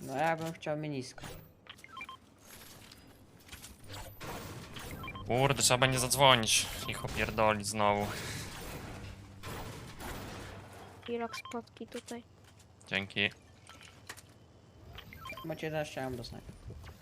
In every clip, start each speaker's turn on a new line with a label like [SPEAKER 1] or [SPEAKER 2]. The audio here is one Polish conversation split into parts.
[SPEAKER 1] No ja bym chciał minisko.
[SPEAKER 2] Kurde, trzeba będzie zadzwonić. Ich opierdoli znowu.
[SPEAKER 3] Pirok spotki tutaj.
[SPEAKER 2] Dzięki.
[SPEAKER 1] Macie 11, ja mam do snajpy.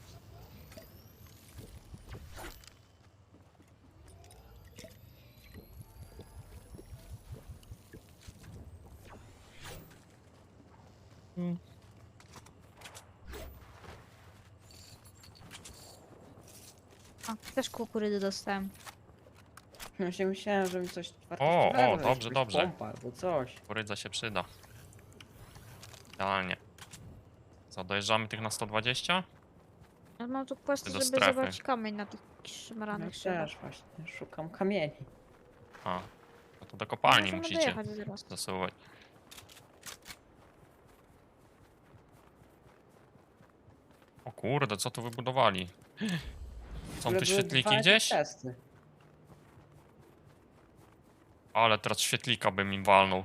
[SPEAKER 3] A, też kukurydzy dostałem.
[SPEAKER 1] Właśnie myślałem, że mi coś
[SPEAKER 2] O,
[SPEAKER 1] wartościowego
[SPEAKER 2] dobrze,
[SPEAKER 1] jakieś
[SPEAKER 2] dobrze.
[SPEAKER 1] Pompa albo coś.
[SPEAKER 2] Kurydza się przyda. Idealnie. Co, dojeżdżamy tych na 120?
[SPEAKER 3] Ja mam tu questy,
[SPEAKER 2] Do
[SPEAKER 3] żeby
[SPEAKER 2] strefy.
[SPEAKER 3] zebrać kamień na tych
[SPEAKER 1] No
[SPEAKER 3] szmaranych szybach.
[SPEAKER 1] też właśnie, szukam kamieni.
[SPEAKER 2] A, no to do kopalni
[SPEAKER 3] Możemy
[SPEAKER 2] musicie
[SPEAKER 3] dojechać zaraz.
[SPEAKER 2] zasuwać. O kurde, co tu wybudowali? Są tu świetliki gdzieś?
[SPEAKER 1] Testy.
[SPEAKER 2] Ale teraz świetlika bym im walnął.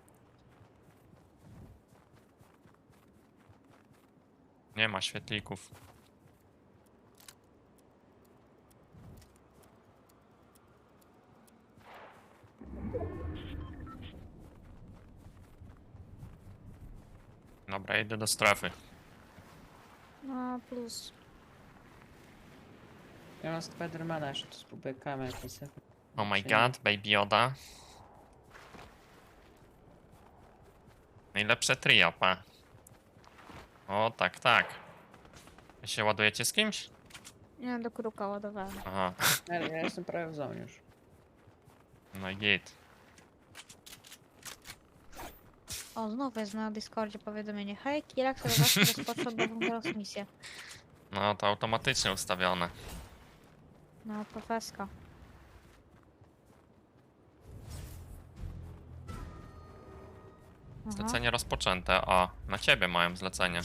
[SPEAKER 2] Nie ma świetlików. Dobra, idę do strefy.
[SPEAKER 3] No plus.
[SPEAKER 1] Ja mam Spidermana, jeszcze tu spróbuję kamień jakiś sobie.
[SPEAKER 2] Oh my
[SPEAKER 1] Czyli-
[SPEAKER 2] god, Baby Yoda. Najlepsze trio, pa. O, tak, tak. Wy się ładujecie z kimś?
[SPEAKER 3] Nie, do kruka ładowałem.
[SPEAKER 2] Aha,
[SPEAKER 1] Ja jestem prawie w zonie już.
[SPEAKER 2] no i git.
[SPEAKER 3] O, znowu jest na Discordzie powiadomienie. Hej, Kirak, sobie właśnie rozpoczął nową teraz misję.
[SPEAKER 2] No to automatycznie ustawione.
[SPEAKER 3] No, profeska. Aha.
[SPEAKER 2] Zlecenie rozpoczęte, a na ciebie mają zlecenie.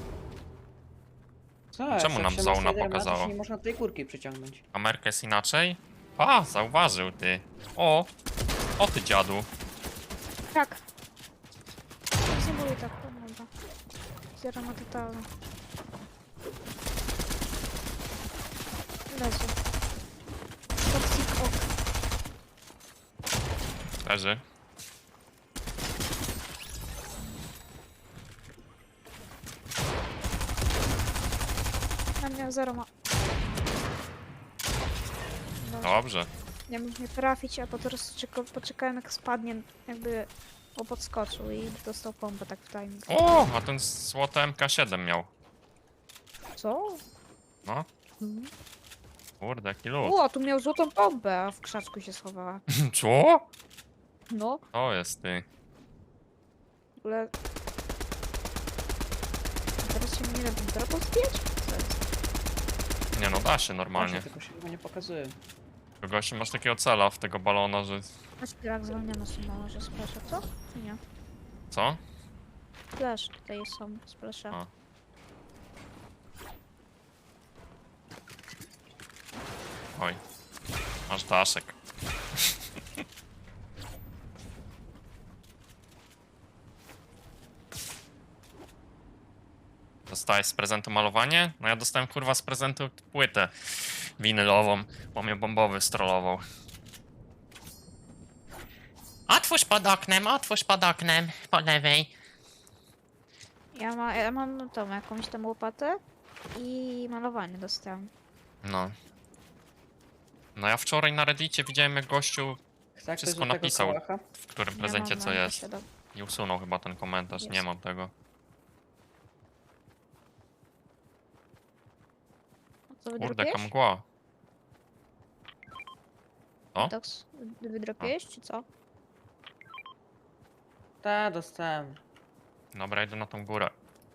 [SPEAKER 1] Co
[SPEAKER 2] Czemu
[SPEAKER 1] jak
[SPEAKER 2] nam
[SPEAKER 1] się ma
[SPEAKER 2] zona
[SPEAKER 1] Spidermana, to
[SPEAKER 2] pokazała?
[SPEAKER 1] się nie można tej górki przyciągnąć.
[SPEAKER 2] Ameryka jest inaczej? A, zauważył ty. O ty dziadu.
[SPEAKER 3] Tak. Zimuluj tak, dobra. Zero na totalne. Leży. Toxic ok.
[SPEAKER 2] Leży.
[SPEAKER 3] Na mnie zero ma. Dobrze.
[SPEAKER 2] Dobrze.
[SPEAKER 3] Nie mógł mnie trafić, a potem poczekałem jak spadnie, jakby podskoczył i dostał pompę tak w timing.
[SPEAKER 2] O, a ten złote MK7 miał.
[SPEAKER 3] Co?
[SPEAKER 2] No,
[SPEAKER 3] Mhm.
[SPEAKER 2] kurde, jaki lód.
[SPEAKER 3] O, tu miał złotą pompę, a w krzaczku się schowała.
[SPEAKER 2] Co?
[SPEAKER 3] No,
[SPEAKER 2] To jest ty.
[SPEAKER 3] w ogóle... Teraz się nie da drogą zdjąć? Co jest?
[SPEAKER 2] Nie no, da się normalnie.
[SPEAKER 1] Właśnie, tylko się chyba nie pokazuje.
[SPEAKER 2] Gościu, masz takiego cela w tego balona, że...
[SPEAKER 3] Masz pirak zwolniony są może splasha, co? Czy nie?
[SPEAKER 2] Co?
[SPEAKER 3] Splash, tutaj są splasha.
[SPEAKER 2] A. Oj. Masz daszek. Dostałeś z prezentu malowanie? No ja dostałem kurwa z prezentu płytę winylową, bo mnie bombowy strollował. Otwórz pod oknem, po lewej.
[SPEAKER 3] Ja mam tą jakąś tam łopatę i malowanie dostałem.
[SPEAKER 2] No. No ja wczoraj na Reddicie widziałem jak gościu
[SPEAKER 1] Chce ktoś
[SPEAKER 2] Wszystko
[SPEAKER 1] do tego
[SPEAKER 2] napisał.
[SPEAKER 1] kałacha?
[SPEAKER 2] w którym
[SPEAKER 3] Ja
[SPEAKER 2] prezencie
[SPEAKER 3] mam
[SPEAKER 2] co
[SPEAKER 3] na
[SPEAKER 2] jest.
[SPEAKER 3] posiadam.
[SPEAKER 2] I usunął chyba ten komentarz, nie
[SPEAKER 3] Jest.
[SPEAKER 2] mam tego.
[SPEAKER 3] Co
[SPEAKER 2] Kurde, jaka
[SPEAKER 3] wydropiłeś?
[SPEAKER 2] mgła. O?
[SPEAKER 3] Doks, wydropiłeś czy co?
[SPEAKER 1] Ta, dostałem.
[SPEAKER 2] Dobra, idę na tą górę.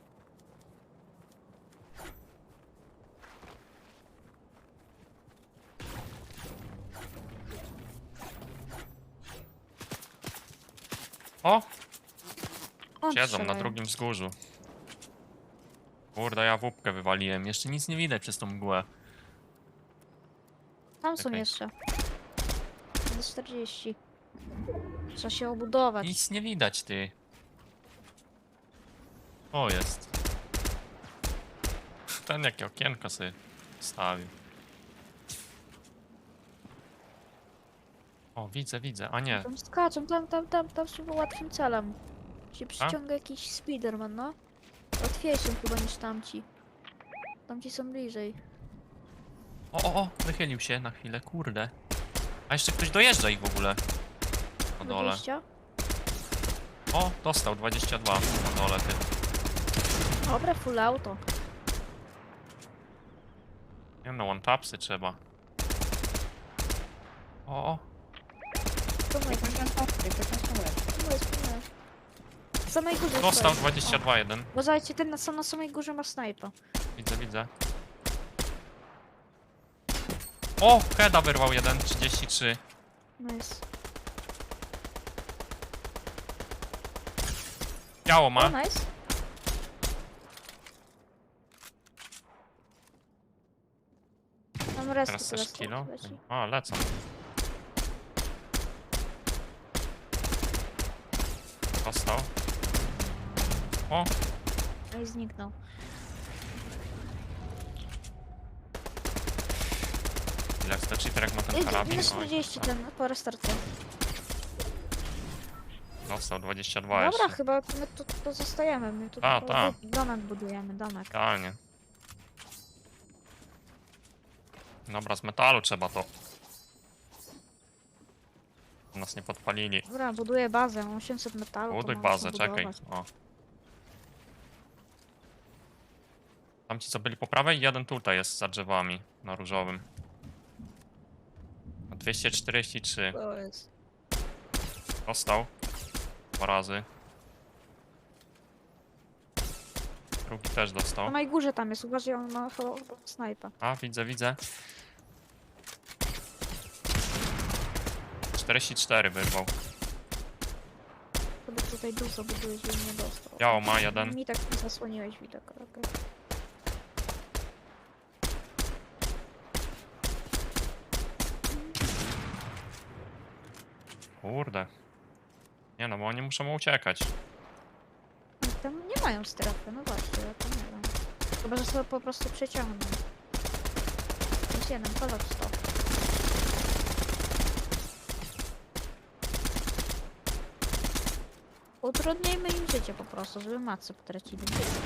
[SPEAKER 2] O!
[SPEAKER 3] On
[SPEAKER 2] Siedzą na
[SPEAKER 3] strzelają.
[SPEAKER 2] drugim wzgórzu. Kurde, ja wupkę wywaliłem. Jeszcze nic nie widać przez tą mgłę.
[SPEAKER 3] Tam są
[SPEAKER 2] Okej.
[SPEAKER 3] jeszcze. Do 40. Trzeba się obudować.
[SPEAKER 2] Nic nie widać, ty. O, jest. ten jakie okienko sobie stawił. O, widzę, a nie.
[SPEAKER 3] Tam skaczą, tam są łatwym celem. Się przyciąga jakiś Spiderman, no. Łatwiejszym chyba niż tamci. Tamci są bliżej.
[SPEAKER 2] O, wychylił się na chwilę, kurde. A jeszcze ktoś dojeżdża ich w ogóle. Na dole.
[SPEAKER 3] 20.
[SPEAKER 2] O, dostał 22 na dole, ty.
[SPEAKER 3] Dobre, full auto.
[SPEAKER 2] Nie no, one-tapsy trzeba. O,
[SPEAKER 3] To mój,
[SPEAKER 1] Jak on tam
[SPEAKER 3] to mój. W samej górze
[SPEAKER 2] dostał
[SPEAKER 3] stoi.
[SPEAKER 2] 22 jeden.
[SPEAKER 3] Uważajcie, ten na samej górze ma snajpa.
[SPEAKER 2] Widzę. O, heada wyrwał jeden, 33.
[SPEAKER 3] Nice.
[SPEAKER 2] Biało
[SPEAKER 3] O,
[SPEAKER 2] ma.
[SPEAKER 3] nice. Mam resztę
[SPEAKER 2] Teraz też kilo.
[SPEAKER 3] leci.
[SPEAKER 2] O, lecą. Dostał. O,
[SPEAKER 3] No i zniknął.
[SPEAKER 2] ile chce cheaterek ma ten karabin?
[SPEAKER 3] Minus
[SPEAKER 2] Oj,
[SPEAKER 3] 40
[SPEAKER 2] tak.
[SPEAKER 3] ten po restarcie.
[SPEAKER 2] Dostał 22
[SPEAKER 3] Dobra,
[SPEAKER 2] jeszcze.
[SPEAKER 3] chyba my tu zostajemy. My tu
[SPEAKER 2] Ta,
[SPEAKER 3] tylko
[SPEAKER 2] ta.
[SPEAKER 3] domek budujemy, domek.
[SPEAKER 2] Idealnie. Dobra, z metalu trzeba to. Nas nie podpalili.
[SPEAKER 3] Dobra, buduję bazę, mam 800 metalu. to
[SPEAKER 2] Buduj
[SPEAKER 3] mogę
[SPEAKER 2] bazę,
[SPEAKER 3] to
[SPEAKER 2] czekaj.
[SPEAKER 3] budować.
[SPEAKER 2] O. Tamci co byli po prawej, jeden tutaj jest za drzewami na różowym. Na 243.
[SPEAKER 3] To jest.
[SPEAKER 2] Dostał. 2 razy. Drugi też
[SPEAKER 3] Na
[SPEAKER 2] dostał.
[SPEAKER 3] mojej górze tam jest, uważaj, on ma chyba snajpa.
[SPEAKER 2] A, widzę. 44 wyrwał.
[SPEAKER 3] Chyba tutaj dużo buduje, żeby nie dostał.
[SPEAKER 2] Biało ma jeden.
[SPEAKER 3] Mi tak zasłoniłeś widok, ale okej.
[SPEAKER 2] Kurde. Nie no, bo oni muszą uciekać.
[SPEAKER 3] Oni tam nie mają strefy, no właśnie, ja to nie wiem. Chyba, że sobie po prostu przeciągną. Jest jeden, kolor stop. Utrudnijmy im życie po prostu, żeby matce potracili.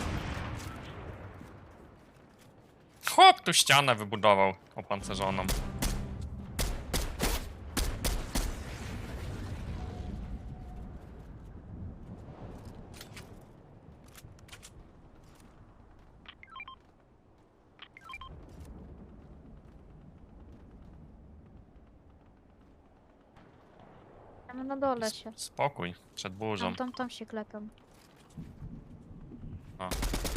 [SPEAKER 2] Hop, tu ścianę wybudował opancerzoną.
[SPEAKER 3] Tam na dole się.
[SPEAKER 2] Spokój, przed burzą.
[SPEAKER 3] Tam się klepią.
[SPEAKER 2] A.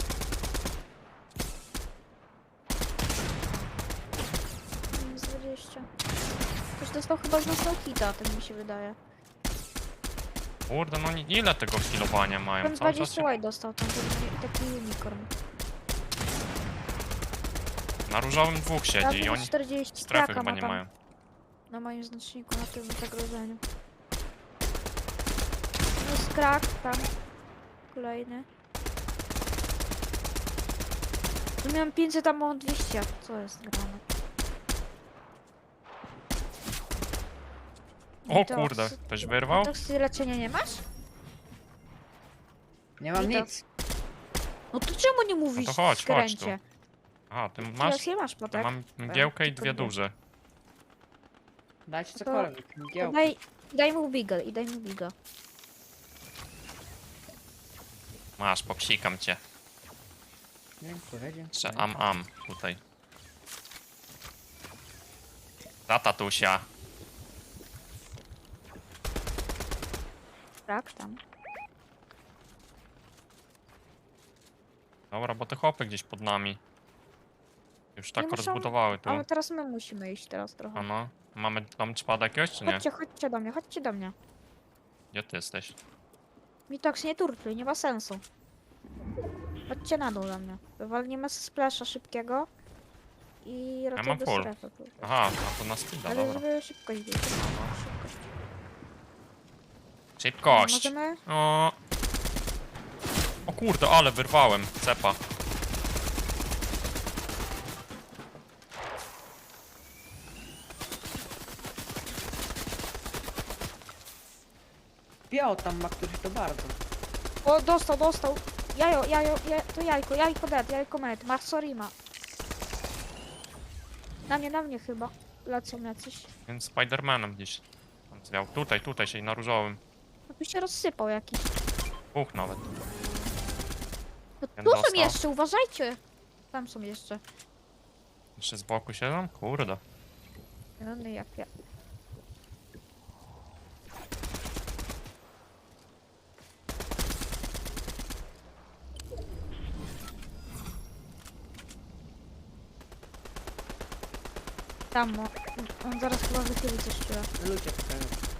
[SPEAKER 3] Minus 20. Ktoś dostał chyba z nas hita, tak mi się wydaje.
[SPEAKER 2] Kurde, no ile tego healowania mają?
[SPEAKER 3] Ten
[SPEAKER 2] Cały czas
[SPEAKER 3] 20
[SPEAKER 2] się...
[SPEAKER 3] łaj dostał, ten taki unicorn.
[SPEAKER 2] Na różowym dwóch siedzi i
[SPEAKER 3] Minus
[SPEAKER 2] oni
[SPEAKER 3] 40
[SPEAKER 2] strefy
[SPEAKER 3] traka
[SPEAKER 2] chyba
[SPEAKER 3] ma
[SPEAKER 2] nie
[SPEAKER 3] tam
[SPEAKER 2] mają.
[SPEAKER 3] na moim znaczniku, na tym zagrożeniu. Minus krak tam. Kolejny. Tu miałem 500, tam mam 200. Co jest grane?
[SPEAKER 2] O kurde, ktoś wyrwał?
[SPEAKER 3] To leczenia nie masz?
[SPEAKER 1] Nie mam
[SPEAKER 3] I to-
[SPEAKER 1] nic.
[SPEAKER 3] No to czemu nie mówisz
[SPEAKER 2] to chodź,
[SPEAKER 3] w
[SPEAKER 2] chodź tu.
[SPEAKER 3] skręcie?
[SPEAKER 2] A, ty
[SPEAKER 3] Teraz
[SPEAKER 2] masz?
[SPEAKER 3] je masz,
[SPEAKER 2] Ja
[SPEAKER 3] potek.
[SPEAKER 2] mam mgiełkę i
[SPEAKER 3] tylko
[SPEAKER 2] 2
[SPEAKER 3] dwie.
[SPEAKER 2] duże.
[SPEAKER 1] Dajcie
[SPEAKER 3] To-
[SPEAKER 1] cokolwiek.
[SPEAKER 3] To
[SPEAKER 1] Mgiełki.
[SPEAKER 3] daj mu beagle i daj mu biga.
[SPEAKER 2] Masz, popsikam cię.
[SPEAKER 1] Dziękuję.
[SPEAKER 2] Jeszcze am tutaj. Za tatusia.
[SPEAKER 3] Tak, tam.
[SPEAKER 2] Dobra, bo te chłopy gdzieś pod nami. Już tak
[SPEAKER 3] Nie muszą-
[SPEAKER 2] rozbudowały tu.
[SPEAKER 3] Ale teraz my musimy iść teraz trochę.
[SPEAKER 2] Ano. Mamy tam czpada jakiegoś, czy nie?
[SPEAKER 3] Chodźcie do mnie, chodźcie do mnie.
[SPEAKER 2] Gdzie ty jesteś?
[SPEAKER 3] Mitox, nie turtluj, nie ma sensu. Chodźcie na dół do mnie. Wywalnimy splasha szybkiego. I raczej
[SPEAKER 2] mam
[SPEAKER 3] do
[SPEAKER 2] full.
[SPEAKER 3] strefy. pójdę.
[SPEAKER 2] Aha, a to na speeda,
[SPEAKER 3] Ale
[SPEAKER 2] dobra.
[SPEAKER 3] żeby szybkość być. Szybkość.
[SPEAKER 2] Szybkość!
[SPEAKER 3] Możemy?
[SPEAKER 2] O kurde, ale wyrwałem cepa.
[SPEAKER 1] biało tam ma któryś to bardzo.
[SPEAKER 3] O, dostał. To jajko dead, jajko med. Marsorima. Na mnie chyba. Lecą jacyś.
[SPEAKER 2] Więc Spidermanem gdzieś tam zwiał. Tutaj się na różowym.
[SPEAKER 3] No tu się rozsypał jakiś.
[SPEAKER 2] Dwóch nawet.
[SPEAKER 3] No,
[SPEAKER 2] Ten
[SPEAKER 3] tu są
[SPEAKER 2] dostał.
[SPEAKER 3] jeszcze, uważajcie. Tam są jeszcze.
[SPEAKER 2] Jeszcze z boku siedzą? Kurde.
[SPEAKER 3] No jak ja. Tam, no. On zaraz chyba wychyli coś czuje.
[SPEAKER 1] Ludzie tutaj.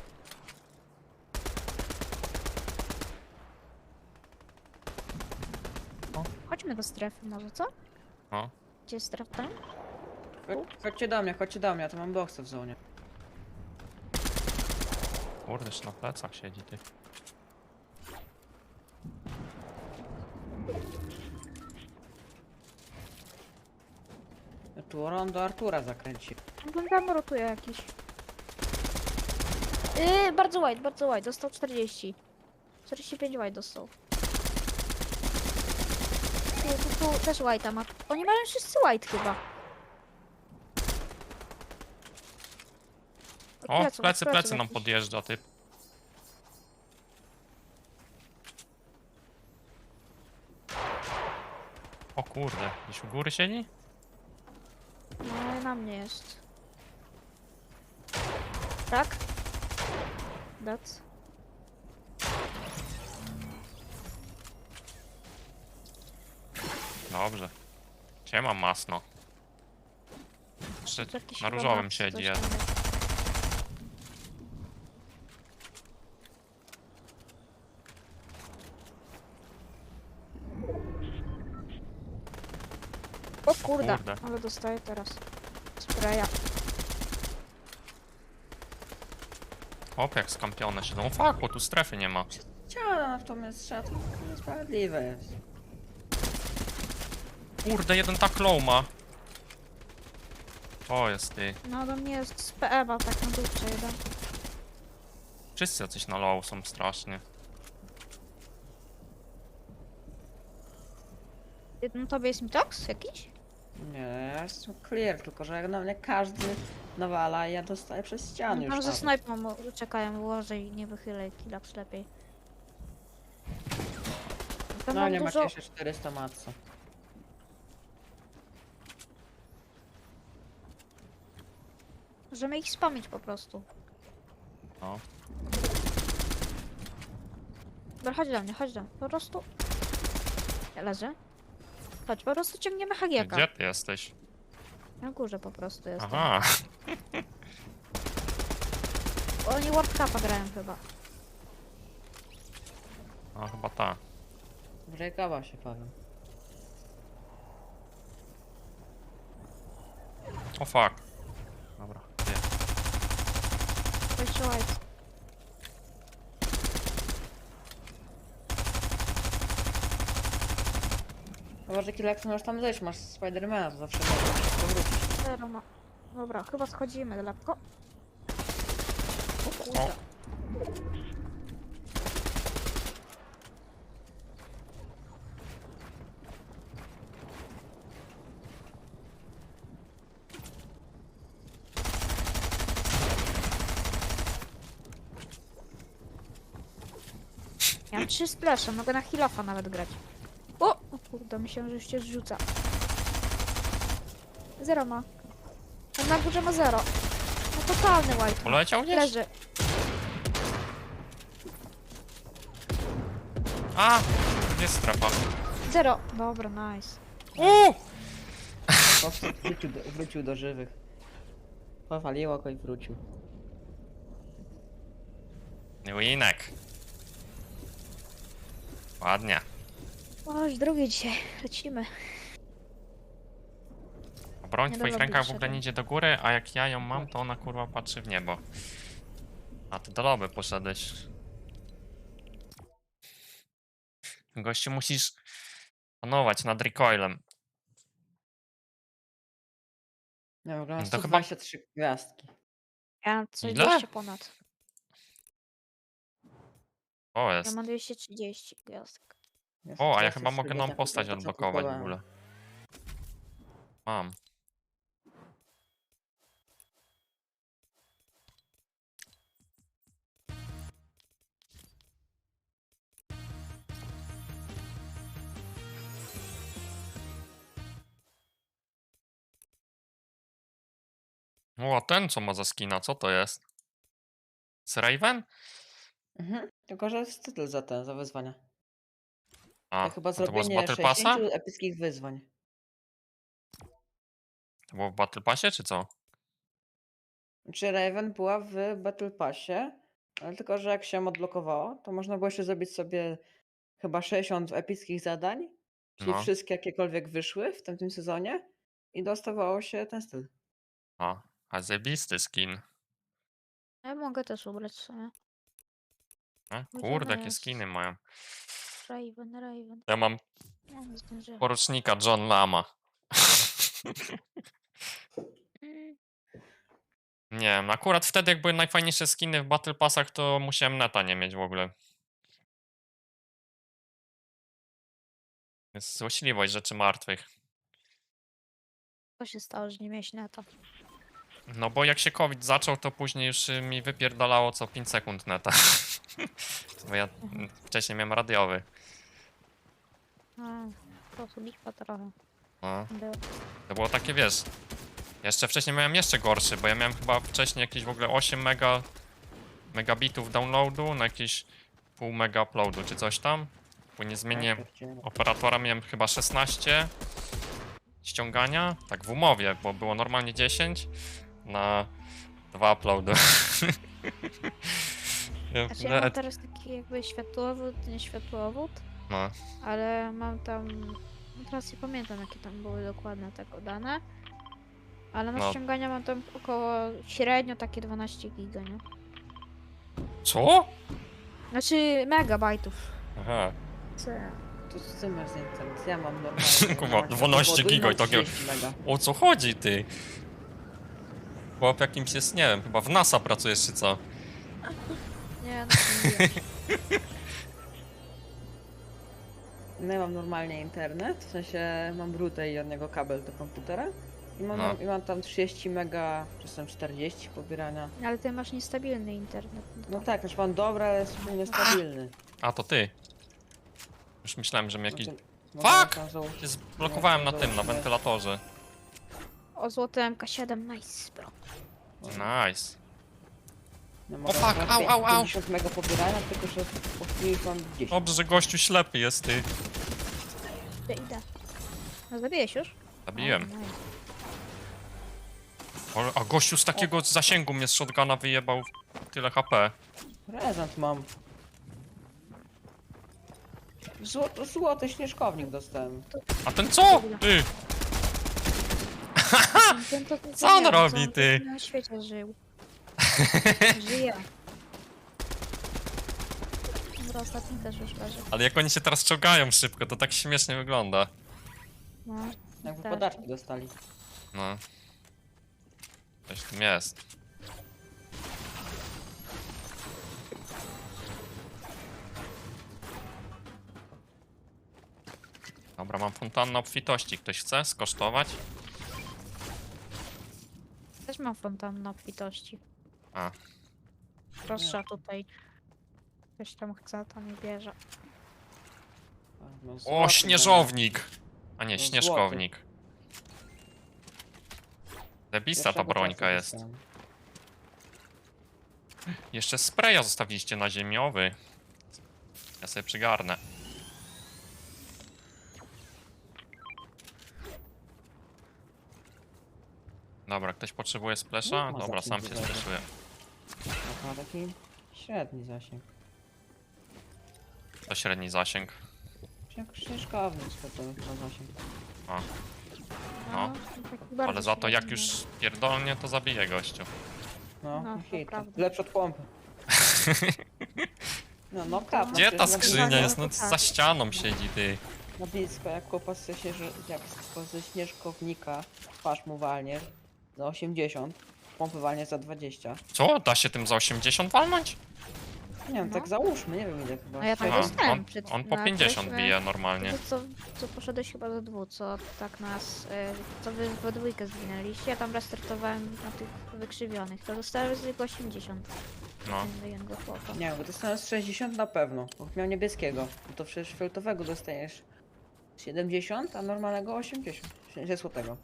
[SPEAKER 3] Chodźmy do strefy może, co?
[SPEAKER 2] No.
[SPEAKER 3] Gdzie jest strefa tam?
[SPEAKER 1] Chodźcie do mnie, ja tu mam boxa w zonie.
[SPEAKER 2] Kurde, jeszcze na plecach siedzi ty.
[SPEAKER 1] Ja tu rondo Artura zakręci.
[SPEAKER 3] On tam rotuje jakiś. Bardzo white, dostał 40. 45 white dostał. Tu też white'a ma. Oni mają wszyscy white chyba. Od
[SPEAKER 2] O,
[SPEAKER 3] pleców, od
[SPEAKER 2] plecy nam
[SPEAKER 3] jakiś.
[SPEAKER 2] podjeżdża typ. O kurde, gdzieś u góry siedzi?
[SPEAKER 3] No na mnie jest. Tak? That's.
[SPEAKER 2] Dobrze. Siema masno. Jeszcze
[SPEAKER 3] Tu jakiś
[SPEAKER 2] na
[SPEAKER 3] chyba
[SPEAKER 2] różowym
[SPEAKER 3] Max
[SPEAKER 2] siedzi
[SPEAKER 3] coś
[SPEAKER 2] jeden.
[SPEAKER 3] tam jest. O kurde,
[SPEAKER 2] Kurde.
[SPEAKER 3] ale dostaję teraz spraya.
[SPEAKER 2] Hop, jak skampione siedzą. O fuck, bo tu strefy nie ma.
[SPEAKER 1] Chciałem natomiast trzeba, to niesprawiedliwe jest.
[SPEAKER 2] Kurde, jeden tak low ma. O, jest ty.
[SPEAKER 3] No do mnie jest z PE-a tak na dupce jeden.
[SPEAKER 2] Wszyscy jacyś na low są strasznie.
[SPEAKER 3] No tobie jest mitox jakiś?
[SPEAKER 1] Nie, ja jestem clear, tylko że jak na mnie każdy nawala i ja dostaję przez ścianę
[SPEAKER 3] No
[SPEAKER 1] już
[SPEAKER 3] tam ze
[SPEAKER 1] nawet.
[SPEAKER 3] snajpą czekają, ułożę i nie wychylę kilaps lepiej. Tam
[SPEAKER 1] No
[SPEAKER 3] mam
[SPEAKER 1] nie
[SPEAKER 3] dużo...
[SPEAKER 1] macie jeszcze 400 matca.
[SPEAKER 3] Możemy ich spamić po prostu.
[SPEAKER 2] No.
[SPEAKER 3] Dobra, chodź do mnie, po prostu... Ja leżę. Chodź, po prostu ciągniemy hagieka.
[SPEAKER 2] Gdzie ty jesteś?
[SPEAKER 3] Na górze po prostu jestem.
[SPEAKER 2] Aha.
[SPEAKER 3] Oni World Cupa grają chyba.
[SPEAKER 2] No chyba ta.
[SPEAKER 1] Wrzekała się Paweł.
[SPEAKER 2] O fuck. Dobra, gdzie?
[SPEAKER 3] Jeszcze white.
[SPEAKER 1] Chyba, że Kilek możesz tam zejść, masz Spidermana, to zawsze możesz powrócić.
[SPEAKER 3] Zero ma. Dobra, chyba schodzimy lekko. O
[SPEAKER 2] O,
[SPEAKER 3] kurde. Ja mam 3 splasze, mogę na heal-offa nawet grać. O kurde, myślałem, że już się zrzuca. Zero ma. On na górze ma zero. No totalny white.
[SPEAKER 2] poleciał gdzieś?
[SPEAKER 3] Leży.
[SPEAKER 2] A! Gdzie jest strefa?
[SPEAKER 3] Zero. Dobra, nice.
[SPEAKER 1] Powstał, wrócił do żywych. Powaliło go i wrócił.
[SPEAKER 2] Winek. Ładnie.
[SPEAKER 3] Oj, drugi dzisiaj. Lecimy.
[SPEAKER 2] Broń w
[SPEAKER 3] Nie
[SPEAKER 2] twoich
[SPEAKER 3] do
[SPEAKER 2] rękach w
[SPEAKER 3] lobby
[SPEAKER 2] ogóle nie idzie do góry, a jak ja ją mam, to ona kurwa patrzy w niebo. A ty do lobby poszedłeś. Gościu, musisz panować nad recoilem.
[SPEAKER 1] Nie, w ogóle mam
[SPEAKER 2] To chyba-
[SPEAKER 1] 123 gwiazdki.
[SPEAKER 3] Ja mam coś
[SPEAKER 2] Ile?
[SPEAKER 3] 200 ponad.
[SPEAKER 2] O,
[SPEAKER 3] Ja
[SPEAKER 2] jest.
[SPEAKER 3] mam 230 gwiazdek.
[SPEAKER 2] O, a ja
[SPEAKER 1] teraz
[SPEAKER 2] chyba
[SPEAKER 1] już
[SPEAKER 2] mogę
[SPEAKER 1] sobie
[SPEAKER 2] nową
[SPEAKER 1] tak
[SPEAKER 2] postać
[SPEAKER 1] po co
[SPEAKER 2] odblokować w
[SPEAKER 1] kupowałem.
[SPEAKER 2] ogóle. Mam. O, a ten co ma za skina, co to jest? Z Raven?
[SPEAKER 1] Mhm. Tylko, że jest tytuł za ten, za wyzwania.
[SPEAKER 2] A,
[SPEAKER 1] To chyba
[SPEAKER 2] a to było z
[SPEAKER 1] zrobienie
[SPEAKER 2] Battle
[SPEAKER 1] 60
[SPEAKER 2] Passa?
[SPEAKER 1] epickich wyzwań.
[SPEAKER 2] To było w Battle Passie, czy co?
[SPEAKER 1] Czy Raven była w Battle Passie, ale tylko, że jak się odblokowało, to można było jeszcze zrobić sobie chyba 60 epickich zadań, czyli
[SPEAKER 2] No.
[SPEAKER 1] wszystkie jakiekolwiek wyszły w tamtym sezonie i dostawało się ten styl.
[SPEAKER 2] A zajebisty skin.
[SPEAKER 3] Ja mogę też ubrać sobie.
[SPEAKER 2] Kurde,
[SPEAKER 3] Gdzie
[SPEAKER 2] jakie
[SPEAKER 3] jest?
[SPEAKER 2] skiny mają.
[SPEAKER 3] Raven.
[SPEAKER 2] Ja mam
[SPEAKER 3] Ja nie zdążyłem.
[SPEAKER 2] porucznika John Lama.
[SPEAKER 3] Mm,
[SPEAKER 2] Nie wiem, akurat wtedy jak były najfajniejsze skiny w Battle Passach, to musiałem neta nie mieć w ogóle. Jest złośliwość rzeczy martwych.
[SPEAKER 3] Co się stało, że nie miałeś neta?
[SPEAKER 2] No bo jak się COVID zaczął, to później już mi wypierdalało co 5 sekund neta. Bo ja wcześniej miałem radiowy.
[SPEAKER 3] A, to tu lipa trochę.
[SPEAKER 2] No.
[SPEAKER 3] Było.
[SPEAKER 2] To było takie, wiesz... Jeszcze wcześniej miałem jeszcze gorszy, bo ja miałem chyba wcześniej jakieś w ogóle 8 megabitów downloadu na jakieś pół mega uploadu czy coś tam. Później zmieniłem operatora, miałem chyba 16 ściągania, tak w umowie, bo było normalnie 10 na 2 uploady. Ja
[SPEAKER 3] Znaczy ja mam
[SPEAKER 2] nawet-
[SPEAKER 3] teraz taki jakby światłowód, nie światłowód,
[SPEAKER 2] No,
[SPEAKER 3] ale mam tam... No teraz nie pamiętam jakie tam były dokładne tego dane. Ale na
[SPEAKER 2] No.
[SPEAKER 3] ściągania mam tam około średnio takie 12 giga, nie?
[SPEAKER 2] co?
[SPEAKER 3] Znaczy megabajtów.
[SPEAKER 2] Aha,
[SPEAKER 3] Co?
[SPEAKER 1] To z tym masz za internet. Ja mam normalnie.
[SPEAKER 2] Kurwa,
[SPEAKER 1] mam
[SPEAKER 2] 12
[SPEAKER 1] powodu i
[SPEAKER 2] giga i
[SPEAKER 1] mam
[SPEAKER 2] takie-
[SPEAKER 1] 30 mega.
[SPEAKER 2] o co chodzi ty? Chłop jakimś jest, nie wiem, chyba w NASA pracujesz czy co?
[SPEAKER 3] Nie, no to nie wiem.
[SPEAKER 1] No ja mam normalnie internet, w sensie mam router i od niego kabel do komputera.
[SPEAKER 2] No.
[SPEAKER 1] I mam tam 30 mega, czasem 40 pobierania.
[SPEAKER 3] Ale ty masz niestabilny internet.
[SPEAKER 1] No tak, znaczy mam dobry, ale jest niestabilny.
[SPEAKER 2] A to ty. Już myślałem, że mi jakiś...
[SPEAKER 1] Znaczy,
[SPEAKER 2] Fuck!
[SPEAKER 1] tam założyć-
[SPEAKER 2] Się zblokowałem na tym, na wentylatorze.
[SPEAKER 3] O, złoty MK7, nice, bro.
[SPEAKER 2] Nice.
[SPEAKER 1] No,
[SPEAKER 2] O fuck, au, au, au.
[SPEAKER 1] 50 mega pobierania, tylko że po chwili już mam 10.
[SPEAKER 2] Dobrze, że gościu ślepy jest, ty.
[SPEAKER 3] Idę. No zabiłeś już?
[SPEAKER 2] Zabiłem.
[SPEAKER 3] O, nice.
[SPEAKER 2] A gościu z takiego zasięgu mnie z shotguna wyjebał tyle HP.
[SPEAKER 1] Prezent mam. Złoty śnieżkownik dostałem.
[SPEAKER 2] A ten co? Ty!
[SPEAKER 3] Ten to
[SPEAKER 2] Co on
[SPEAKER 3] nie wiem,
[SPEAKER 2] robi,
[SPEAKER 3] on
[SPEAKER 2] ty?
[SPEAKER 3] Na świecie żył. Żyje. Dobra, ostatni też już leży.
[SPEAKER 2] Ale jak oni się teraz czołgają szybko, to tak śmiesznie wygląda.
[SPEAKER 3] No,
[SPEAKER 1] Jakby
[SPEAKER 3] też.
[SPEAKER 1] podatki dostali.
[SPEAKER 2] No. Coś w tym jest. Dobra, mam fontannę obfitości. Ktoś chce skosztować?
[SPEAKER 3] Też mam fontannę obfitości.
[SPEAKER 2] A.
[SPEAKER 3] Proszę tutaj. Ktoś tam chce, to nie bierze.
[SPEAKER 1] No,
[SPEAKER 2] O,
[SPEAKER 1] złoty,
[SPEAKER 2] śnieżownik! A nie,
[SPEAKER 1] No,
[SPEAKER 2] śnieżkownik.
[SPEAKER 1] no.
[SPEAKER 2] Debista ta
[SPEAKER 1] Pierwszego
[SPEAKER 2] brońka
[SPEAKER 1] czasu
[SPEAKER 2] jest.
[SPEAKER 1] dostałem.
[SPEAKER 2] Jeszcze spraya zostawiliście na ziemiowy. Ja sobie przygarnę. Dobra, ktoś potrzebuje splasha?
[SPEAKER 1] No, ma
[SPEAKER 2] Dobra,
[SPEAKER 1] zasięg
[SPEAKER 2] sam się
[SPEAKER 1] dużo.
[SPEAKER 2] splashuję.
[SPEAKER 1] No, ma taki średni zasięg.
[SPEAKER 2] To średni zasięg.
[SPEAKER 1] Jak śnieżkownik to ma zasięg.
[SPEAKER 2] No.
[SPEAKER 3] taki bardzo
[SPEAKER 2] Ale za to jak
[SPEAKER 3] średni,
[SPEAKER 2] już pierdolnie, to zabije gościu.
[SPEAKER 1] No,
[SPEAKER 3] No, to
[SPEAKER 1] hit.
[SPEAKER 3] prawda.
[SPEAKER 1] Lepszy od pompy. No, no kap.
[SPEAKER 2] Gdzie ta
[SPEAKER 1] przecież
[SPEAKER 2] skrzynia jest? No
[SPEAKER 3] tak.
[SPEAKER 2] za ścianą siedzi, ty.
[SPEAKER 1] Na blisko, jak chłopak jak ze śnieżkownika twarz mu walniesz za 80, pompy walniesz za 20.
[SPEAKER 2] Co? Da się tym za 80 walnąć?
[SPEAKER 1] Nie wiem,
[SPEAKER 3] No.
[SPEAKER 1] tak załóżmy, nie wiem ile chyba.
[SPEAKER 3] No ja tak
[SPEAKER 2] Aha,
[SPEAKER 3] dostałem
[SPEAKER 2] on,
[SPEAKER 3] przed-
[SPEAKER 2] on po
[SPEAKER 3] na
[SPEAKER 2] 50
[SPEAKER 3] którymś,
[SPEAKER 2] bije normalnie.
[SPEAKER 3] To co poszedłeś chyba do dwóch, co tak nas, co wy we dwójkę zginęliście, ja tam restartowałem na tych wykrzywionych, to dostałem zwykle 80.
[SPEAKER 2] No.
[SPEAKER 3] Jednego chłopa.
[SPEAKER 1] Nie, bo dostałem z 60 na pewno, bo miał niebieskiego. No to przecież fioletowego dostajesz 70, a normalnego 80. Złotego.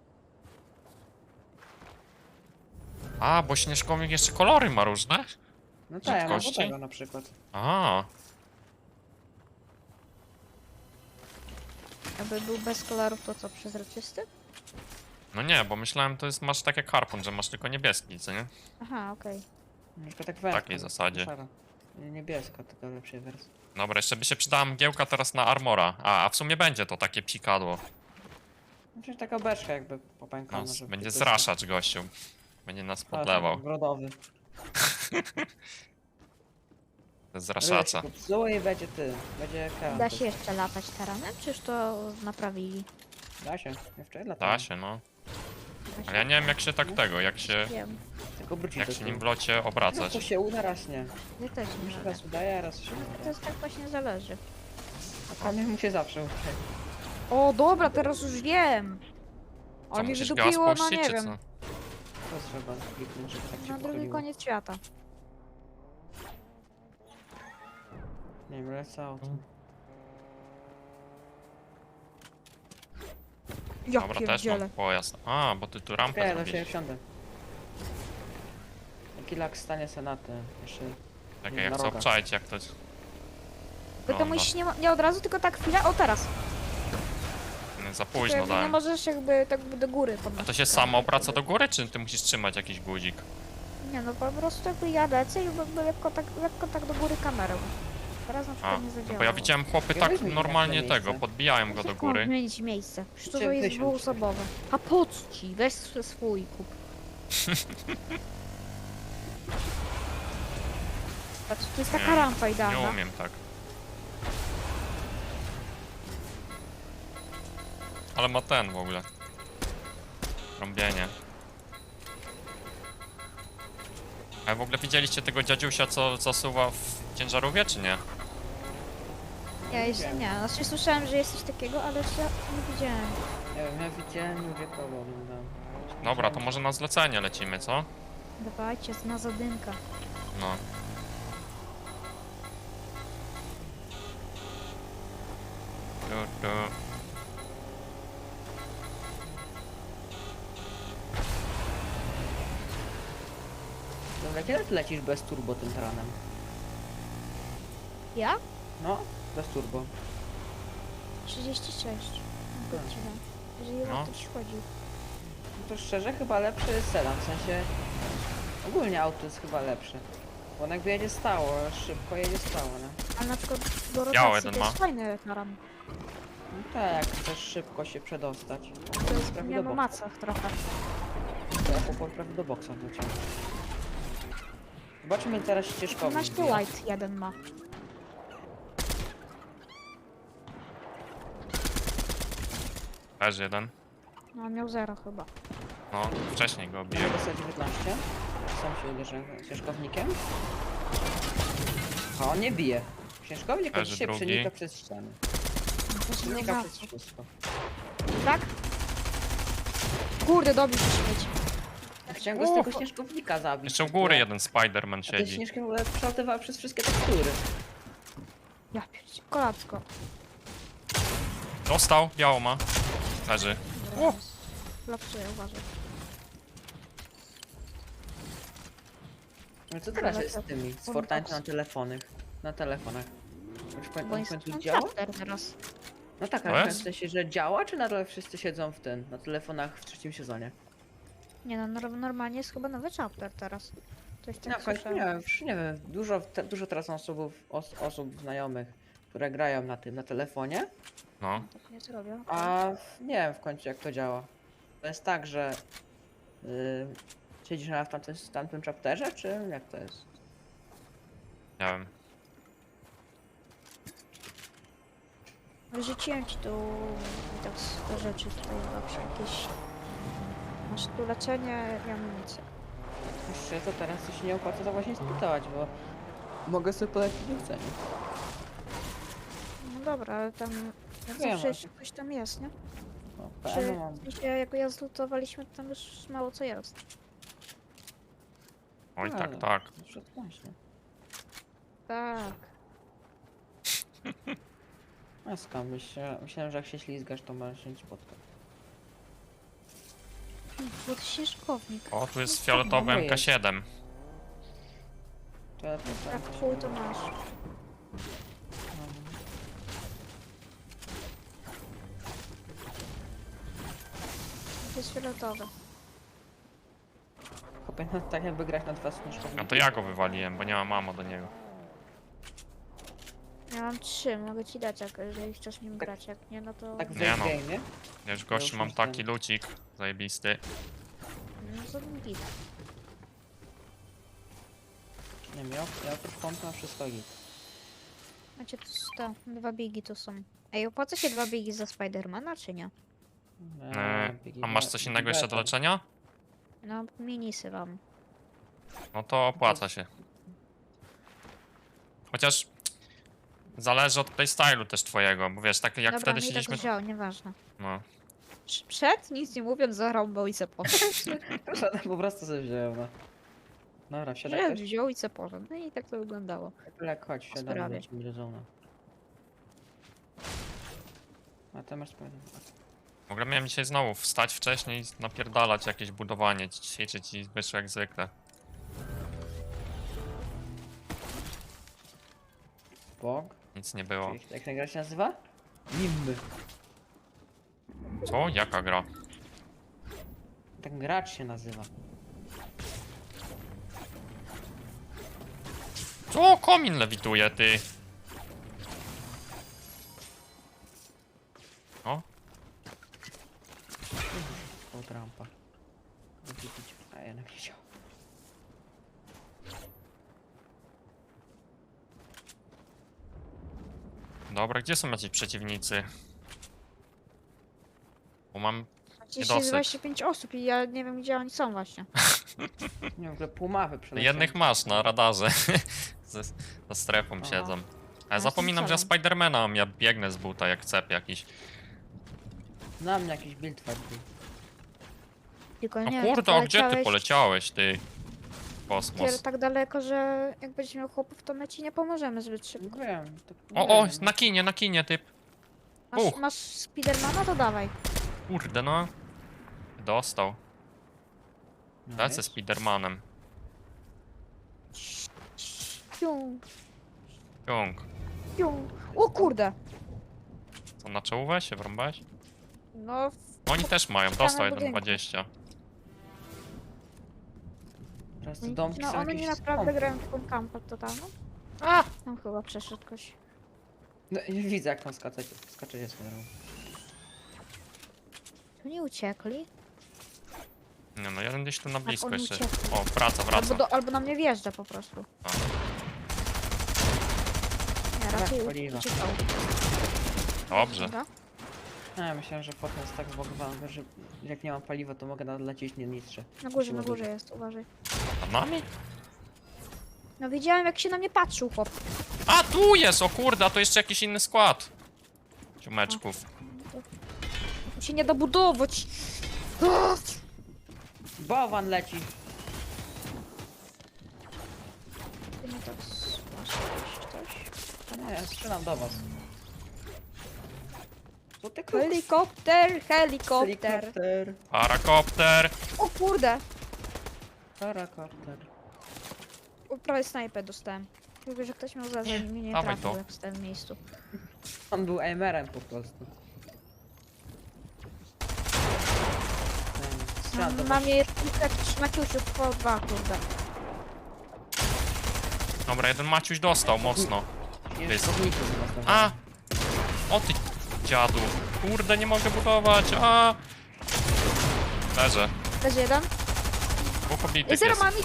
[SPEAKER 2] A, bo śnieżkownik jeszcze kolory ma różne?
[SPEAKER 1] No tak, ja mam
[SPEAKER 2] Rzadkości?
[SPEAKER 1] złotego na przykład.
[SPEAKER 2] A,
[SPEAKER 3] Jakby był bez kolorów, to co, przezroczysty?
[SPEAKER 2] no nie, bo myślałem, to jest, masz tak jak harpun, że masz tylko niebieski, co nie?
[SPEAKER 3] Aha, okej.
[SPEAKER 1] Na przykład tak wędka.
[SPEAKER 2] takiej zasadzie.
[SPEAKER 1] Szara. Nie, niebieska, tylko w lepszej wersji.
[SPEAKER 2] Dobra, jeszcze by się przydała mgiełka teraz na armora. A w sumie będzie to takie psikadło.
[SPEAKER 1] Znaczy taka beczka jakby
[SPEAKER 2] No,
[SPEAKER 1] popękana. żeby
[SPEAKER 2] będzie
[SPEAKER 1] tylko-
[SPEAKER 2] zraszacz gościu. Będzie nas
[SPEAKER 1] Tak,
[SPEAKER 2] podlewał.
[SPEAKER 1] Brodowy.
[SPEAKER 2] Zraszacza.
[SPEAKER 1] Zło i będzie ty. Będzie ekran.
[SPEAKER 3] Da się jeszcze latać taranem, czyż to naprawili?
[SPEAKER 1] Da się. Ja wczoraj latałem.
[SPEAKER 2] Da się, no. Ale ja nie wiem jak się tak tego, jak się
[SPEAKER 1] Tylko wrócić
[SPEAKER 2] jak
[SPEAKER 1] do
[SPEAKER 2] się
[SPEAKER 1] tyłu.
[SPEAKER 2] nim w locie
[SPEAKER 1] No
[SPEAKER 2] obracać.
[SPEAKER 1] to się uda, raz nie.
[SPEAKER 3] Ja też
[SPEAKER 1] Mi
[SPEAKER 3] nie
[SPEAKER 1] się
[SPEAKER 3] mogę.
[SPEAKER 1] raz udaje, a raz się nie
[SPEAKER 3] To
[SPEAKER 1] udaje.
[SPEAKER 3] jest tak właśnie zależy.
[SPEAKER 1] A Kamil mu się zawsze udaje.
[SPEAKER 3] O, dobra, teraz już wiem!
[SPEAKER 2] Co,
[SPEAKER 3] Ale mi
[SPEAKER 2] musisz
[SPEAKER 3] wydupiło,
[SPEAKER 2] gaz
[SPEAKER 3] no
[SPEAKER 2] puścić,
[SPEAKER 3] nie
[SPEAKER 2] czy
[SPEAKER 3] wiem,
[SPEAKER 2] co?
[SPEAKER 1] To trzeba kliknąć, żeby tak się
[SPEAKER 3] na drugi
[SPEAKER 1] pochyliło.
[SPEAKER 3] koniec świata.
[SPEAKER 1] Nie wiem, lecę auto.
[SPEAKER 3] Ja
[SPEAKER 2] Dobra, też
[SPEAKER 3] pierdzielę.
[SPEAKER 2] mam pojazd. A, bo ty tu rampę
[SPEAKER 1] Okej, do
[SPEAKER 2] zrobiłeś.
[SPEAKER 1] siebie wsiądę. Jaki lak stanie senatę. Jeszcze
[SPEAKER 2] Czekaj, ja
[SPEAKER 1] na
[SPEAKER 2] chcę
[SPEAKER 1] rogach.
[SPEAKER 2] obczaić jak to...
[SPEAKER 3] Tylko
[SPEAKER 2] No,
[SPEAKER 3] musisz nie od razu, tylko tak chwilę, o teraz.
[SPEAKER 2] Za
[SPEAKER 3] Tylko
[SPEAKER 2] późno
[SPEAKER 3] jakby nie
[SPEAKER 2] dałem.
[SPEAKER 3] możesz jakby tak do góry
[SPEAKER 2] A
[SPEAKER 3] podnosić.
[SPEAKER 2] to się samo obraca do góry, czy ty musisz trzymać jakiś guzik?
[SPEAKER 3] Nie no, po prostu jakby ja lecę i jakby lekko tak do góry kamerą. Teraz na
[SPEAKER 2] A,
[SPEAKER 3] przykład nie
[SPEAKER 2] no
[SPEAKER 3] zadziała.
[SPEAKER 2] bo ja widziałem chłopy
[SPEAKER 1] Ja
[SPEAKER 2] tak
[SPEAKER 1] weźmie mi
[SPEAKER 2] normalnie
[SPEAKER 1] takie miejsce.
[SPEAKER 2] tego, podbijają go do góry.
[SPEAKER 3] zmienić miejsce. Przecież to
[SPEAKER 1] Chciałem
[SPEAKER 3] jest
[SPEAKER 1] wysiąść.
[SPEAKER 3] dwuosobowe. A po co ci? Weź swój kup. Patrz, to jest taka
[SPEAKER 2] Nie,
[SPEAKER 3] rampa
[SPEAKER 2] Nie
[SPEAKER 3] idealna.
[SPEAKER 2] umiem tak. Ale ma ten w ogóle. Trąbienie. A w ogóle widzieliście tego dziadziusia, co zasuwa w ciężarówce, czy nie?
[SPEAKER 3] Ja jeszcze nie. Znaczy słyszałem, że jest coś takiego, ale jeszcze nie widziałem.
[SPEAKER 1] Nie wiem, ja widziałem, nie mówię kogo oglądałem.
[SPEAKER 2] Dobra, to może na zlecenie lecimy, co?
[SPEAKER 3] Dawajcie, na zadymka.
[SPEAKER 2] No. Tu, tu.
[SPEAKER 1] Dobra, kiedy ty lecisz bez turbo tym taranem?
[SPEAKER 3] Ja?
[SPEAKER 1] No, bez turbo.
[SPEAKER 3] 36. Godzina. Jeżeli
[SPEAKER 2] No.
[SPEAKER 3] o to ci chodzi.
[SPEAKER 1] No to szczerze chyba lepszy jest sedan, w sensie ogólnie auto jest chyba lepsze. Bo on jakby jedzie stało, szybko jedzie stało, nie?
[SPEAKER 3] Ale na przykład do
[SPEAKER 2] Biały
[SPEAKER 3] rotacji
[SPEAKER 2] jeden
[SPEAKER 3] to
[SPEAKER 2] ma.
[SPEAKER 3] jest fajny taran.
[SPEAKER 1] No tak, jak chcesz szybko się przedostać.
[SPEAKER 3] To jest
[SPEAKER 1] Prawie
[SPEAKER 3] nie
[SPEAKER 1] do
[SPEAKER 3] na
[SPEAKER 1] boku.
[SPEAKER 3] macach trochę.
[SPEAKER 1] To ja chłopak prawie do boksa wleciałem. Zobaczmy teraz ścieżkownik.
[SPEAKER 3] 12 light jeden ma.
[SPEAKER 2] Też jeden.
[SPEAKER 3] No on miał 0 chyba.
[SPEAKER 2] No, wcześniej go
[SPEAKER 1] Ja
[SPEAKER 2] obiłem.
[SPEAKER 1] dostał 19. Sam się uderzę ścieżkownikiem. A on nie bije. Ścieżkownik
[SPEAKER 2] Leży
[SPEAKER 1] dzisiaj
[SPEAKER 2] drugi.
[SPEAKER 1] przenika przez ściany. Przenika przez wszystko.
[SPEAKER 3] Tak? Kurde, dobił się śmieć.
[SPEAKER 1] Ja chciałem go z tego ścieżkownika zabić.
[SPEAKER 2] Jeszcze u góry jeden Spider-Man
[SPEAKER 1] A te
[SPEAKER 2] siedzi.
[SPEAKER 1] śnieżki w ogóle przeładowały przez wszystkie tekstury.
[SPEAKER 3] Ja pierdzie, kolacko.
[SPEAKER 2] Dostał, biało ma. Leży.
[SPEAKER 3] Lapsuję, uważaj.
[SPEAKER 1] Ale co teraz
[SPEAKER 3] Ale
[SPEAKER 1] jest
[SPEAKER 3] to-
[SPEAKER 1] z tymi? Z
[SPEAKER 3] on
[SPEAKER 1] Fortnite
[SPEAKER 3] box.
[SPEAKER 1] na telefonach. Na telefonach. Już
[SPEAKER 3] Bo
[SPEAKER 1] pamiętam,
[SPEAKER 3] jest
[SPEAKER 1] w końcu
[SPEAKER 3] ten
[SPEAKER 1] działa?
[SPEAKER 3] chapter teraz.
[SPEAKER 1] No tak,
[SPEAKER 2] To
[SPEAKER 1] ale w
[SPEAKER 2] jest?
[SPEAKER 1] sensie, że działa, czy nadal wszyscy siedzą w tym, na telefonach w trzecim sezonie?
[SPEAKER 3] Nie no, normalnie jest chyba nowy chapter teraz. Coś
[SPEAKER 1] No
[SPEAKER 3] tak
[SPEAKER 1] w końcu nie
[SPEAKER 3] słyszałem.
[SPEAKER 1] wiem, już nie wiem, dużo teraz osób znajomych, które grają na tym, na telefonie,
[SPEAKER 2] No.
[SPEAKER 3] Tak nie zrobię.
[SPEAKER 1] a nie wiem w końcu jak to działa. To jest tak, że siedzisz na w tamtym chapterze, czy jak to jest?
[SPEAKER 2] Nie wiem.
[SPEAKER 3] Rzuciłem ci tu te rzeczy tutaj zawsze jakieś. Masz tu leczenie i amunicję.
[SPEAKER 1] Jeszcze to teraz to się nie opłaca to właśnie spytać, bo Mogę sobie polecić w cenie.
[SPEAKER 3] No dobra, ale tam jak
[SPEAKER 1] Wiem,
[SPEAKER 3] zawsze
[SPEAKER 1] ale-
[SPEAKER 3] jeszcze coś tam jest, nie?
[SPEAKER 1] O,
[SPEAKER 3] Czy
[SPEAKER 1] PM mam.
[SPEAKER 3] w sensie, jak ja zlutowaliśmy, to tam już mało co jest.
[SPEAKER 2] Oj, tak,
[SPEAKER 1] Ale-
[SPEAKER 2] tak.
[SPEAKER 1] Właśnie.
[SPEAKER 3] Tak.
[SPEAKER 1] A skam, myślałem, że jak się ślizgasz, to możesz się nie spotkać.
[SPEAKER 3] Bo to się szkownik.
[SPEAKER 2] O, tu jest
[SPEAKER 1] No,
[SPEAKER 2] fioletowy
[SPEAKER 1] dobra jest.
[SPEAKER 2] MK7.
[SPEAKER 1] To ja to
[SPEAKER 3] Jak
[SPEAKER 1] tak.
[SPEAKER 3] full to masz. To jest fioletowe.
[SPEAKER 1] Chłopie, no, tak jakby grać na dwa smaczkowniki.
[SPEAKER 2] No to ja go wywaliłem, bo nie mam mamo do niego.
[SPEAKER 3] Ja mam 3, mogę ci dać, jeżeli chcesz nim grać. Jak nie, no to...
[SPEAKER 1] Tak w
[SPEAKER 2] Nie no.
[SPEAKER 1] game, nie?
[SPEAKER 2] Ja już
[SPEAKER 1] już
[SPEAKER 2] gościu mam
[SPEAKER 1] masz
[SPEAKER 2] taki
[SPEAKER 1] ten.
[SPEAKER 2] lucik zajebisty.
[SPEAKER 3] No to git.
[SPEAKER 1] Nie wiem, ja oprócz pompy mam wszystko git.
[SPEAKER 3] Macie tu 100, 2 bigi tu są. Ej, opłaca się 2 bigi za Spidermana, czy nie?
[SPEAKER 2] A masz coś innego jeszcze do leczenia?
[SPEAKER 3] No, minisy mam.
[SPEAKER 2] No to opłaca się. Chociaż zależy od playstylu też twojego, bo wiesz, tak jak
[SPEAKER 3] Dobra,
[SPEAKER 2] wtedy
[SPEAKER 3] mi tak
[SPEAKER 2] siedzieliśmy.
[SPEAKER 3] wziął, nieważne.
[SPEAKER 2] No.
[SPEAKER 3] Przed, nic nie mówiąc, zarąbał i se poszedł.
[SPEAKER 1] Po prostu sobie wziąłem, no. Dobra, wsiadaj
[SPEAKER 3] Przed,
[SPEAKER 1] też.
[SPEAKER 3] wziął i se poszedł. No i tak to wyglądało.
[SPEAKER 1] Lek, chodź, wsiadamy,
[SPEAKER 3] sprawie.
[SPEAKER 1] lecimy do zona. A ty masz spokojnie.
[SPEAKER 2] W ogóle miałem dzisiaj znowu wstać wcześniej i napierdalać jakieś budowanie, ćwiczyć i wyszło jak zwykle.
[SPEAKER 1] Bog.
[SPEAKER 2] Nic nie było.
[SPEAKER 1] Jak ten gra się nazywa? Nimby.
[SPEAKER 2] Co? Jaka gra?
[SPEAKER 1] Ten gracz się nazywa.
[SPEAKER 2] Co? Komin lewituje, ty! O,
[SPEAKER 1] O, trampa. Wypić. A ja nie wiedział.
[SPEAKER 2] dobra, gdzie są jacyś przeciwnicy? Bo mam...
[SPEAKER 3] Dzisiaj
[SPEAKER 2] Niedosyt.
[SPEAKER 3] jest 25 osób i ja nie wiem, gdzie oni są właśnie.
[SPEAKER 1] Nie, w ogóle pół mapy przeleciałem.
[SPEAKER 2] Jednych masz na radarze. Za strefą
[SPEAKER 1] Aha.
[SPEAKER 2] siedzą. A ja
[SPEAKER 3] Ja
[SPEAKER 2] zapominam, że ja
[SPEAKER 3] strzelam.
[SPEAKER 2] Spidermana mam, ja biegnę z buta jak cep jakiś.
[SPEAKER 1] Na mnie jakiś build fight był.
[SPEAKER 3] Tylko
[SPEAKER 2] No
[SPEAKER 3] nie
[SPEAKER 2] kurde,
[SPEAKER 3] wiem,
[SPEAKER 2] a gdzie ty poleciałeś, ty? Kosmos.
[SPEAKER 3] tak daleko, że jak będziesz miał chłopów, to my ci nie pomożemy zbyt szybko.
[SPEAKER 1] No wiem. To,
[SPEAKER 2] O,
[SPEAKER 1] wiem,
[SPEAKER 2] na kinie, typ.
[SPEAKER 3] Masz, masz Spidermana, to dawaj.
[SPEAKER 2] Kurde, no. Dostał.
[SPEAKER 1] no.
[SPEAKER 2] Lecę
[SPEAKER 1] wiesz?
[SPEAKER 2] Spidermanem.
[SPEAKER 3] Pium,
[SPEAKER 2] Ciąg.
[SPEAKER 3] pium. O kurde!
[SPEAKER 2] Co, na czołówę się wrąbałeś?
[SPEAKER 3] No,
[SPEAKER 2] Oni też mają,
[SPEAKER 3] ścianę
[SPEAKER 2] dostał
[SPEAKER 3] budynku.
[SPEAKER 2] 1,20.
[SPEAKER 1] Teraz te domki
[SPEAKER 3] no
[SPEAKER 1] są
[SPEAKER 3] one
[SPEAKER 1] jakieś
[SPEAKER 3] nie naprawdę
[SPEAKER 1] skąpe.
[SPEAKER 3] grają w tą kampę totalną.
[SPEAKER 2] A!
[SPEAKER 3] Tam chyba przeszedł ktoś.
[SPEAKER 1] No, i widzę jak tam skaczecie swoją drogą.
[SPEAKER 3] Tu nie uciekli.
[SPEAKER 2] Nie no, jeden gdzieś tu na blisko
[SPEAKER 3] oni
[SPEAKER 2] jeszcze.
[SPEAKER 3] uciekli.
[SPEAKER 2] O, wraca.
[SPEAKER 3] Albo na mnie wjeżdża po prostu.
[SPEAKER 2] A.
[SPEAKER 3] Nie, raczej
[SPEAKER 1] paliwa.
[SPEAKER 3] uciekał.
[SPEAKER 2] Dobrze.
[SPEAKER 3] Dobra.
[SPEAKER 1] No, ja myślałem, że potem jest tak zbogowany, że jak nie mam paliwa, to mogę nadlecieć nie niższe.
[SPEAKER 3] Na górze jest, uważaj.
[SPEAKER 2] Nad nami?
[SPEAKER 3] No widziałem, jak się na mnie patrzył chłop.
[SPEAKER 2] A, tu jest! O kurde, a to jeszcze jakiś inny skład. Ciumeczków.
[SPEAKER 3] Tu się nie da budować.
[SPEAKER 1] Bałwan leci.
[SPEAKER 3] Ty nie tak masz coś.
[SPEAKER 1] Nie, ja strzelam do was. Co ty
[SPEAKER 3] Helikopter.
[SPEAKER 1] Helikopter.
[SPEAKER 2] Parakopter!
[SPEAKER 3] O kurde.
[SPEAKER 1] Parakopter.
[SPEAKER 3] O, prawie snajpę dostałem. Mówię, że ktoś miał za że mnie nie
[SPEAKER 2] dawaj
[SPEAKER 3] trafił,
[SPEAKER 2] to.
[SPEAKER 3] jak stałem w miejscu.
[SPEAKER 1] On był aimerem po prostu. Strzelam do was.
[SPEAKER 3] Mam je kilka Maciusiów po 2, kurde.
[SPEAKER 2] Dobra, jeden Maciuś dostał mocno.
[SPEAKER 1] Jest chodników z was
[SPEAKER 2] A! O ty dziadu. Kurde, nie mogę budować. A! Leżę.
[SPEAKER 3] Leży jeden.
[SPEAKER 2] Dwóch
[SPEAKER 3] I
[SPEAKER 2] obitych
[SPEAKER 3] zero
[SPEAKER 2] jest.
[SPEAKER 3] mam